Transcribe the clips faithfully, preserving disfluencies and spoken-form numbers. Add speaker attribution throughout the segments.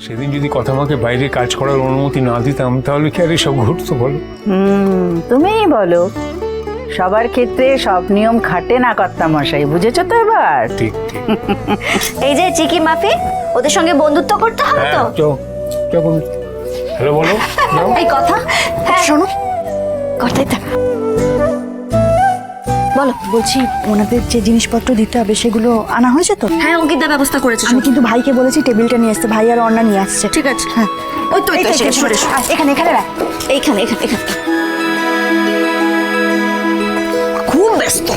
Speaker 1: সেদিন যদি কথা আমাকে বাইরে কাজ করার অনুমতি না দিতাম তাহলে কি আর এসব ঘটতো বলো?
Speaker 2: হুম তুমিই বলো, সবার ক্ষেত্রে সব নিয়ম খাটে না কর্তা মশাই, বুঝেছো তো এবার?
Speaker 1: ঠিক ঠিক।
Speaker 3: এই যে চিকি মাফি, ওদের সঙ্গে বন্ধুত্ব করতে হবে তো।
Speaker 1: যখন হ্যালো বলো যাও।
Speaker 3: এই কথা হ্যাঁ শোনো, কথাই থাক। বলো।
Speaker 4: বলছি ওনাদের যে জিনিসপত্র দিতে হবে সেগুলো আনা হয়েছে তো?
Speaker 3: হ্যাঁ অঙ্কিতা ব্যবস্থা করেছে।
Speaker 4: আমি কিন্তু ভাইকে বলেছি টেবিলটা নিয়ে আসতে, ভাই আর অন্না নিয়ে আসছে।
Speaker 3: ঠিক আছে।
Speaker 4: হ্যাঁ
Speaker 3: ওই তো
Speaker 4: এইখানে এখানে এখানে রাখ।
Speaker 3: এইখানে এখানে এখানে খুব ব্যস্ত।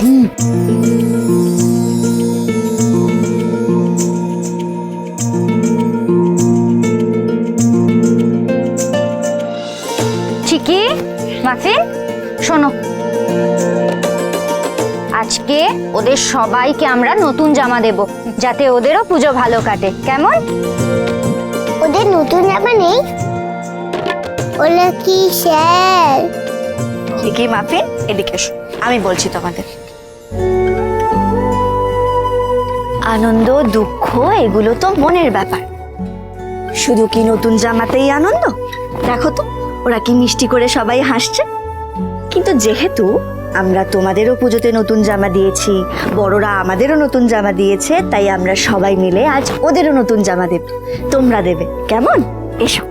Speaker 5: চিকি মাফি শোনো, আজকে ওদের সবাইকে আমরা নতুন জামা দেব, যাতে ওদেরও পুজো ভালো কাটে, কেমন?
Speaker 6: ওদের নতুন জামা নেই? ওরা কি স্যার?
Speaker 3: চিকি মাফি এদিকে এসো, আমি বলছি তোমাদের। আনন্দ দুঃখ এগুলো তো মনের ব্যাপার, শুধু কি নতুন জামাতেই আনন্দ? দেখো তো ওরা কি মিষ্টি করে সবাই হাসছে। কিন্তু যেহেতু আমরা তোমাদেরও পুজোতে নতুন জামা দিয়েছি, বড়রা আমাদেরও নতুন জামা দিয়েছে, তাই আমরা সবাই মিলে আজ ওদেরও নতুন জামা দেব, তোমরা দেবে, কেমন? এসো।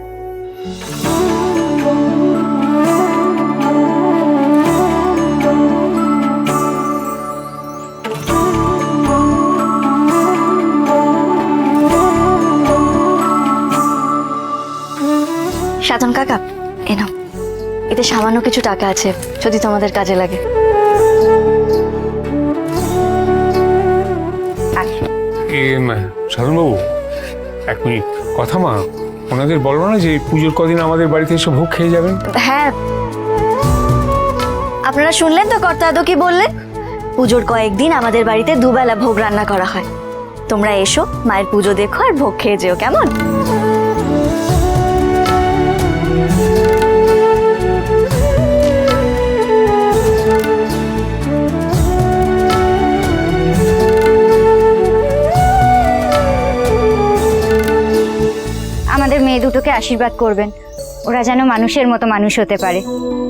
Speaker 3: সাধন কাকা এ নাও, এতে সামান্য কিছু টাকা আছে, যদি তোমাদের কাজে লাগে।
Speaker 1: এ সাধনবাবু এক মিনিট, কথা মা ওনাদের বলো না যে পুজোর কদিন আমাদের বাড়িতে এসে ভোগ খেয়ে যাবেন।
Speaker 3: হ্যাঁ আপনারা শুনলেন তো কর্তা দাদু কি বললেন, পুজোর কয়েকদিন আমাদের বাড়িতে দুবেলা ভোগ রান্না করা হয়। তোমরা এসো, মায়ের পুজো দেখো আর ভোগ খেয়ে যেও, কেমন?
Speaker 5: আমাদের মেয়ে দুটোকে আশীর্বাদ করবেন, ওরা যেন মানুষের মতো মানুষ হতে পারে।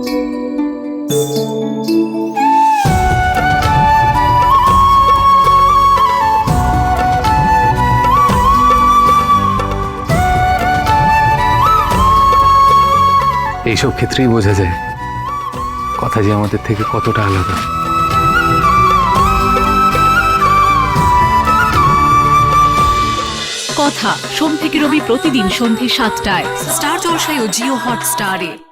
Speaker 1: এইসব ক্ষেত্রেই বোঝা যায় কথা যে আমাদের থেকে কতটা আলাদা।
Speaker 7: কথা সোম থেকে রবি প্রতিদিন সন্ধ্যে সাতটায় স্টার জলসায় ও জিও হটস্টারে।